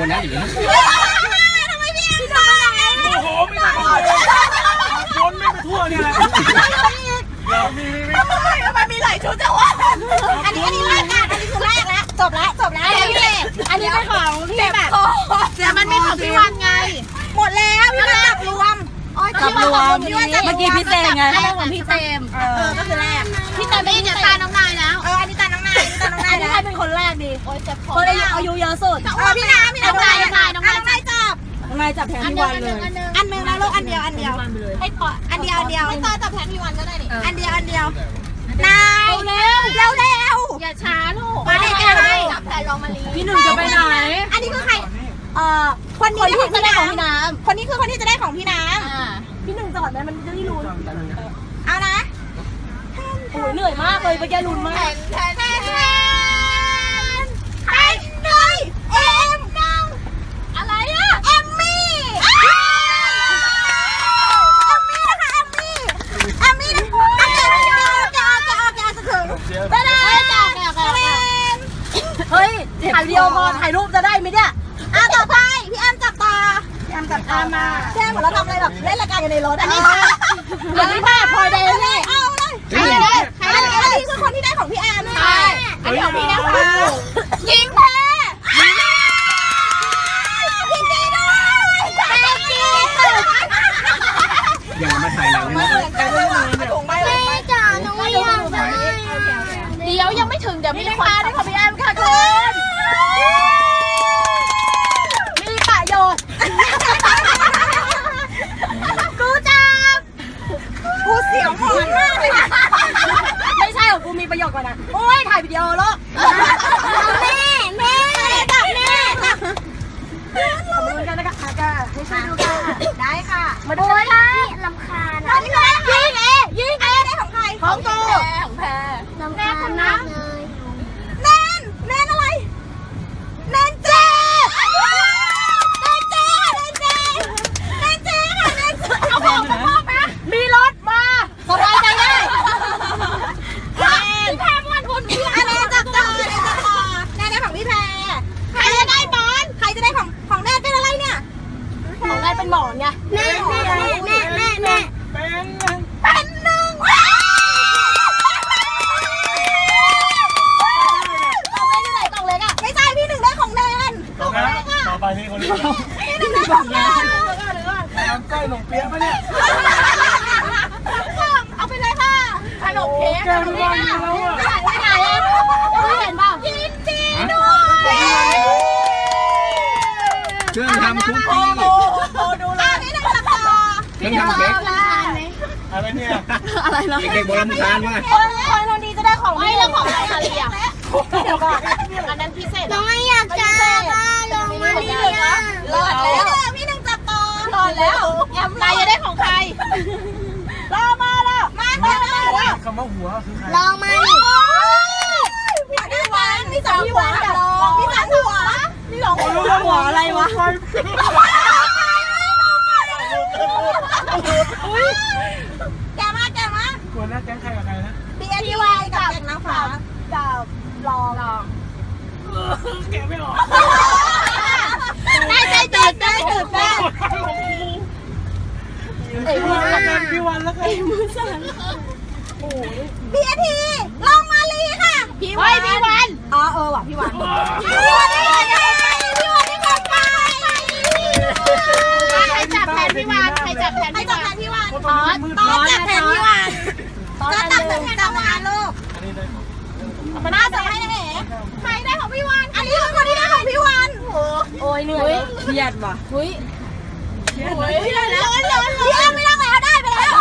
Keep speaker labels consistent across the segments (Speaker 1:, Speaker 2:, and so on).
Speaker 1: นนะอย่างนี้
Speaker 2: ทำไมพี่ทำอะไร
Speaker 3: โอ้โหไม่ได้วนไม่ไปทั่วเนี่ยแหละ
Speaker 2: ทำไมมีหลายชุดจังวะอันนี้แรกกันอันนี้คือแรกแล้วจบแล้วอันนี้เป็นของพี่แบบแต่มันไม่ของพี่วันไงหมดแล้วพี่วันจับรวม
Speaker 4: เมื่อกี้พี่เจมไง
Speaker 2: ของพี่เจมก็คือแรกพี่เจมไม่เนี่ยตาน้องนายแล้วอันนี้ตาน้องนาย
Speaker 4: อันนี้ใครเป็นคนแรกดี
Speaker 2: โอ้ยเจ็บคอ
Speaker 4: คนอายุเยอะสุด
Speaker 2: พี่น้ำน้องนายจับ
Speaker 4: น้องนายจับแทนพี่วันเลย
Speaker 2: อันนึงนะลูกอันเดียวให้พออันเดียวให้ต่อจับแทนพี่วันก็ได้นี่อันเดียวนายเร็วอย่าช้าลูกมาเลยจับแทนลองมาลี
Speaker 4: พี่หนึ่งจะไปไหน
Speaker 2: อันนี้คือใครคนนี้ที่จะได้ของพี่น้ำคนนี้คือคนที่จะได้ของพี่น้
Speaker 4: ำพี่หนึ่งจอดไหมมันจะได้ลุ้น
Speaker 2: เอานะ
Speaker 4: โอ้ยเหนื่อยมากเลยไปแกลุ้นมาก
Speaker 2: แทนเลยเอ็มอะไรอะเอมมี่นะคะเอมมี่จะถึงไปเลย
Speaker 4: เฮ้ยถ่ายวิดีโอก่อนถ่ายรูปจะได้ไหมเนี่ย
Speaker 2: ต่อไปพี่แอมจับตามาแค่เหมือนเราทำอะไรแบบเล่นรายการกันในรถอันนี้
Speaker 4: พอยเดย์นี่
Speaker 2: เอาเลยอันนี้คือคนที่ได้ของพี่แอมใช่อันนี้ของพี่นะคะยิงแพ้ยิงดีด้วย
Speaker 1: อย่ามาถ่ายหลังเลยนะ
Speaker 2: แม่จ๋าน้องไม่อยากได้เดี๋ยวยังไม่ถึงเดี๋ยวมีคนได้ของพี่แอมค่ะคุณ
Speaker 4: มีประโยชน์
Speaker 2: กูเสียวหมอนมากเลย
Speaker 4: ไม่ใช่ของกูมีประโยชน์กว่านะโอ้ยถ่ายวิดีโอลูก
Speaker 2: แม่จับ
Speaker 4: ขอบคุณกันนะคะให้ช่วยดูค่ะ
Speaker 2: ได้ค่ะ
Speaker 4: มาดูค่ะ
Speaker 2: ลำคาญยิงได้ของใคร
Speaker 4: ของกู
Speaker 2: ของแพรลำคาญนะแนนอะไรแนนเจเอาของมาพ่อไหม
Speaker 4: มีรถมาสบายใจได้
Speaker 2: พี่แพรวันคุณพี่อะไรจับต่อแนนได้ของพี่แพรใครจะได้บอลใครจะได้ของแนนเป็นอะไรเนี่ย
Speaker 4: ของนายเป็นหมอนไง
Speaker 2: แม่เป็นหนึ่งกล่องเล็กอ่ะไม่ใช่พี่หนึ่งได้ของแนน
Speaker 3: ต่อไปนี่คนนี้
Speaker 2: พี่หนึ่งได้ของแนน
Speaker 3: น้ำใกล้หนมเปี๊ยะปะเนี่ย
Speaker 2: เอาไปเลยค่ะขนมเค้ก
Speaker 3: ไม่
Speaker 2: ไหนไม่เห็นเปล่ายินดีด้วย
Speaker 1: เครื่องทำคุกกี้
Speaker 2: ดูเลยนี่หนึ่งสัปดาห์
Speaker 1: เครื่องทำเค้ก
Speaker 3: อะไรเนี่ย
Speaker 4: อะไรเนาะ
Speaker 1: เด็กๆโบราณการว่า
Speaker 4: คนนี้จะได้ของ
Speaker 2: ไม่แล้วของอะไรอ่ะ
Speaker 4: เดี๋ยวก่อน
Speaker 2: อันนั้นพิเศษน้องไม่อยากจับลงมาดีนะรอดแล้วพี่หนึ่งจับต่อรอดแล้วแอมนายจะได้ของใครรอมาแล้วมา
Speaker 3: คำว่าหัวคือใคร
Speaker 2: ลองมาดิพี่วันพี่สองหัวพี่สองหัวพี่สอง
Speaker 4: หัวอะไรวะ
Speaker 2: แกมา
Speaker 3: หัวหน้าแก๊งใครกับใครนะ
Speaker 2: พี่วายกับแกงน้ำฟ้า
Speaker 4: กับลอง
Speaker 3: แกไม่ออก
Speaker 2: ได้ใจตื่นแม่
Speaker 3: พี่วันแล้วกัน
Speaker 2: พี่อาทีลองมาลีค่ะพี่วัน
Speaker 4: ว่ะพี่วัน
Speaker 2: ใครจับแทนพี่วันตอนจับแทนพี่วันก็ตัดเป็นจังหวะลูกมาจับให้ไหนใครได้ของพี่วันอันนี้คือคนที่ได้ของพี่วัน
Speaker 4: โอ้ยเหนื่อยเครียดว่ะ
Speaker 2: พี่แอมไม่ต้องแล้วได้ไปแล้ว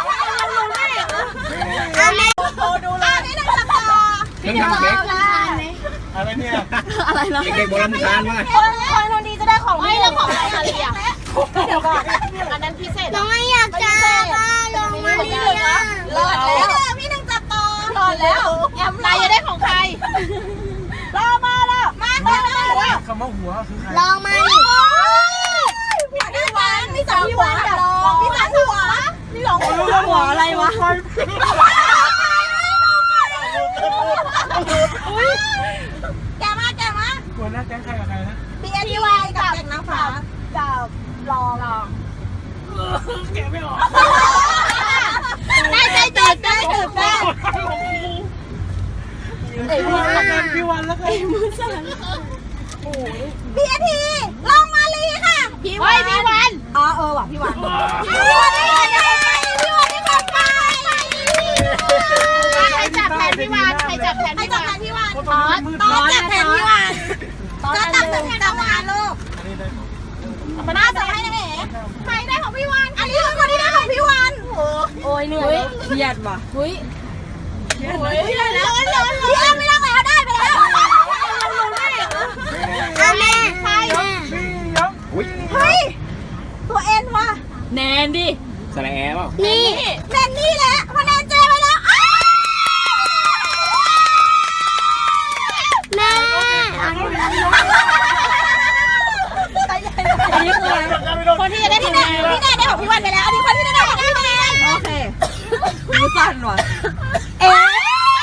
Speaker 2: อันนี้ดูเลยนี่หนึ่งสัปดาห์
Speaker 1: เครื่องทำเค้ก
Speaker 3: อะไรเนี่ย
Speaker 4: อะไรเนาะ
Speaker 1: เด็กๆโบราณการว่า
Speaker 4: คนนี้จะได้ของ
Speaker 2: ไม่แล้วของอะไรอ่ะ
Speaker 4: เดี๋ยวก่อน
Speaker 2: อันนั้นพิเศษน้องไม่อยากจับลงมาดีนะรอดแล้วพี่หนึ่งจับต่อรอดแล้วแอมนายจะได้ของใคร
Speaker 4: รอมาแล้ว
Speaker 2: มา
Speaker 3: คำว่าหัวคือใคร
Speaker 2: ลองมาดิพี่วันพี่สองหัวพี่สองหัวพี่สอง
Speaker 4: หัวอะไรวะ
Speaker 2: แกมา
Speaker 3: หัวหน้าแก๊งใครกับใครนะ
Speaker 2: พี่วายกับ
Speaker 3: แกะไม่ออก
Speaker 2: ได้ใจตื่นได้ตื่นได้
Speaker 3: พี่วันแล้วกัน
Speaker 2: พี่อาทีลองมาลีค่ะพี่วันอ๋อว่ะพี่วันพี่วันได้พี่วันได้ของไปใครจับแทนพี่วันใครจับแทนพี่วันต๊อจับแทนพี่วันต๊อจับแทนพี่วันลูกมาจับให้นะเอ๋ใครได้ของพี่วันอันนี้คือคนที่ได้ของพี่วัน
Speaker 4: โอ้ยเหนื่อยเครียดว่ะเฮ้ย
Speaker 2: พี่ได้แล้วพี่อ้ำไม่ต้องแล้วได้ไปแล้วอาแม่ใคร
Speaker 1: อุ้ย
Speaker 2: เฮ้ยตัวเอ็นว่ะ
Speaker 4: แนนดิ
Speaker 1: สระแอเปล่า
Speaker 2: นี่แนนนี่แหละพอแนนเจไปแล้วแม่
Speaker 4: อันนี้คืออะไรคนที่จะได้
Speaker 2: พี่
Speaker 4: ทำ
Speaker 2: แน
Speaker 4: งาน
Speaker 2: นพี่แนนได้ของพี่วันไปแล้วอันนี้คนที่ได้ของพี่แนน
Speaker 4: โอเคมือสั่นว่ะ
Speaker 2: เอ๊ะ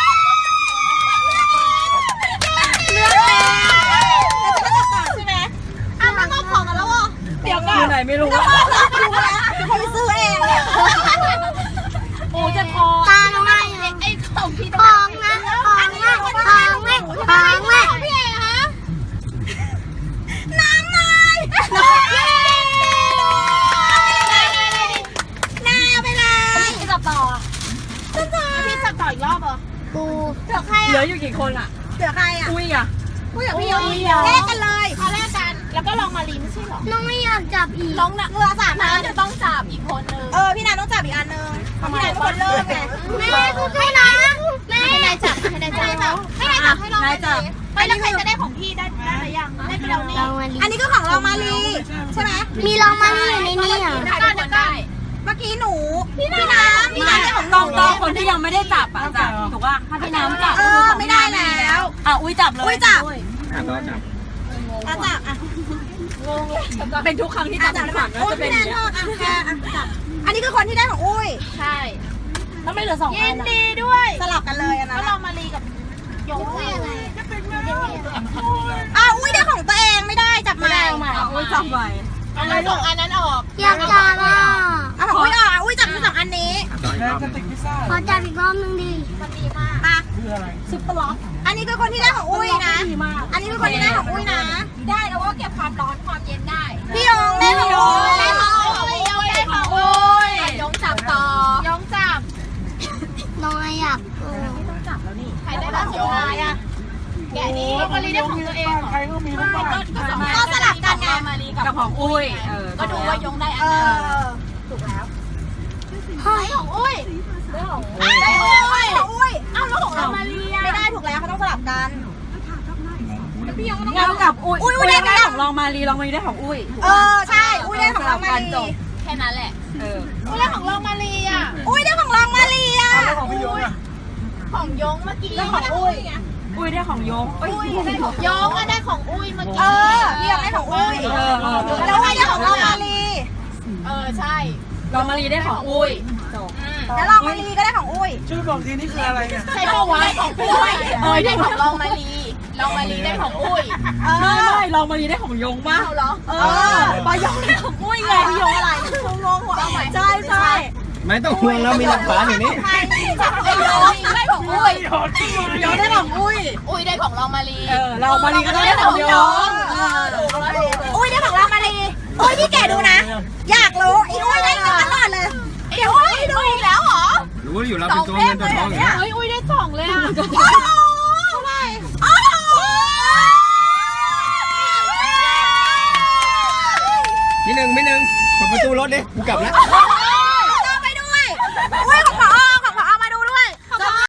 Speaker 2: เลือกแล้วเราจะจับก่อนใช่ไหมอ้าวมันมอบของกันแล้วเหรอเดี๋ยวก่อน
Speaker 4: อยู่ไหนไม่รู้
Speaker 2: แล้วก็รับดูแล้วเป็นคนไปซื้อเองเนี่ย
Speaker 4: โอ้จะพอ
Speaker 2: ตาน้องไอ้ของพี่ของนะของแม่พี่เอ๋คะน้ำนายนาไปเลยพี่จับต่อพี่จับต่ออีกรอบเหรอกูเหลือใคร
Speaker 4: เหลื
Speaker 2: อ่ะ
Speaker 4: ออยู่กี่คนอ่ะ
Speaker 2: เหลือใครอ่ะ
Speaker 4: อุ้ยอ่ะ
Speaker 2: กูอยากพี่แลกกันเลยพอแลกกันแล้วก็ลองมาลีไม่ใช่หรอน้องไม่อยากจับอีกน้องเหลือ3 อันจะต้องจับอีกคนนึงพี่นายต้องจับอีกอันนึงพี่นายเป็นคนเริ่มไงแม่ให้นายให้นายจับให้นายจับให้ลองไปแล้วใครจะได้ของพี่ได้หรือยังได้ไปแล้วนี่อันนี้ก็ของลองมาลีใช่ไหมมีลองมาลีอยู่ในนี้อ่ะเดี๋ยวก่อนเมื่อกี้หนูพี่น้ำได้ของ
Speaker 4: ต้องคนที่ยังไม่ได้จับอ่ะจับถูกป่ะถ้าพี่น้ำจับ
Speaker 2: ไม่ได้แล้ว
Speaker 4: อ่ะอุ้ยจับเลย
Speaker 2: อุ้ยจับ
Speaker 1: ต่อจับ
Speaker 2: จับอ่ะ
Speaker 4: เป็นทุกครั้งที่จับขวัญก็จะเป็นอย่างเงี้ย
Speaker 2: จับอันนี้คือคนที่ได้ของอุ้ยใช่
Speaker 4: แล้วไม่เหลือ2 อั
Speaker 2: ยิ
Speaker 4: น
Speaker 2: นดีด้วยสลับกันเลยนะแล้วเรามาลีกับยงอุ้ยยังไงอุ้ยได้ของตัวเองไม่ได้จับใหม่
Speaker 4: อุ้ยจับไว้
Speaker 2: เอาเลย2 อันนั้นออกอยากจับอ่ะเอาของอุ้ยออกอุ้ยจับ2 อันนี้
Speaker 1: ต่ออีกรอบ
Speaker 2: ขอจับอีกรอบนึงดิมันดีมากมา
Speaker 3: คืออะไร
Speaker 4: ซุปเปอร์ล็อก
Speaker 2: อันนี้คือคนที่ได้ของอุ้ยนะอันนี้คือคนที่ได้ของอุ้ยนะได้แล้วว่าเก็บความร้อนความเย็นได้พี่ยงได้ของอุ้ยได้ของอุ้ยได้ของอุ้ยยงจับต่อยงจับน้อยอ่ะต้องจับแล้วนี่ใครได้ของยงอ่ะแกนี้มาลีได้ของตัวเอง
Speaker 3: ใครก็มีน้ำมัน
Speaker 2: ก็สลับกันไง
Speaker 4: กับของอุ้ย
Speaker 2: ก็ดูว่ายงได้อันนึงถูกแล้วเฮ้ยของอุ้ยได้ของอุ้ยอ้าวแล้วของเรามาลีไม่ได้ถูกแล้วเขาต้องสลับกันพี่ยงต้อง
Speaker 4: เงากับอุ้ย
Speaker 2: อุ้ยได้
Speaker 4: ได้ของลองมาลีลองมาลีได้ของอุ้ย
Speaker 2: ใช่อุ้ยได้ของเรามาลี
Speaker 4: แค่นั้นแหละ
Speaker 2: อุ้ยได้ของเรามาลีอ่ะอุ้ยได้ของเรามาลีอ่ะ
Speaker 3: แล้วของพี่ยงอ่ะ
Speaker 2: ของยงเมื่อกี้แล้วของอุ้ย
Speaker 4: อุ้ยได้ของยง
Speaker 2: ยงก็ได้ของอุ้ยเมื่อกี้พี่ยงได้ของอุ้ยแล้วอุ้ยได้ของเรามาลีใช่
Speaker 4: ลองมาลีได้ของอุ้ยจบ
Speaker 2: แล้วเรามาลีก็ได้ของอุ้ย
Speaker 3: ช่วยบอกทีนี่คืออะไรอ่ะ
Speaker 2: ใช่ปะวะของอุ้ยได้ของลองมาลีลองมาลีได้ของอุ้ย
Speaker 4: ไม่ลองมาลีได้ของยงป่ะ
Speaker 2: เหรอ
Speaker 4: ปอยงได้ของอุ้ยไงพี่ยงอะไร
Speaker 2: งงหัว
Speaker 4: ใช่ใช่
Speaker 1: ไม่ต้องห่วงเรามีหลักฐานอยู่นี่
Speaker 2: ไอ้ยงได้ของอุ้ย
Speaker 4: ยงได้ของอุ้ย
Speaker 2: อุ้ยได้ของลองมาลี
Speaker 4: เรามาลีก็ได้ของยง
Speaker 2: อุ้ยได้ของลองมาลีอุ้ยพี่แกดูนะอยากรู้ไอ้อุ้ยได้ตลอดเลยเดี๋ยวอุ้ยดูอีกแล้วเหรอ
Speaker 1: รู้อยู่เราเป็นตัวเงินตัวทองอย่างเงี้ย
Speaker 2: อุ้ยได้2เลยอ่ะโอ้โหเท่าไหร่โอ้โห
Speaker 1: นิดนึงเปิดประตูรถดิกูกลับแล้ว
Speaker 2: โอ้โห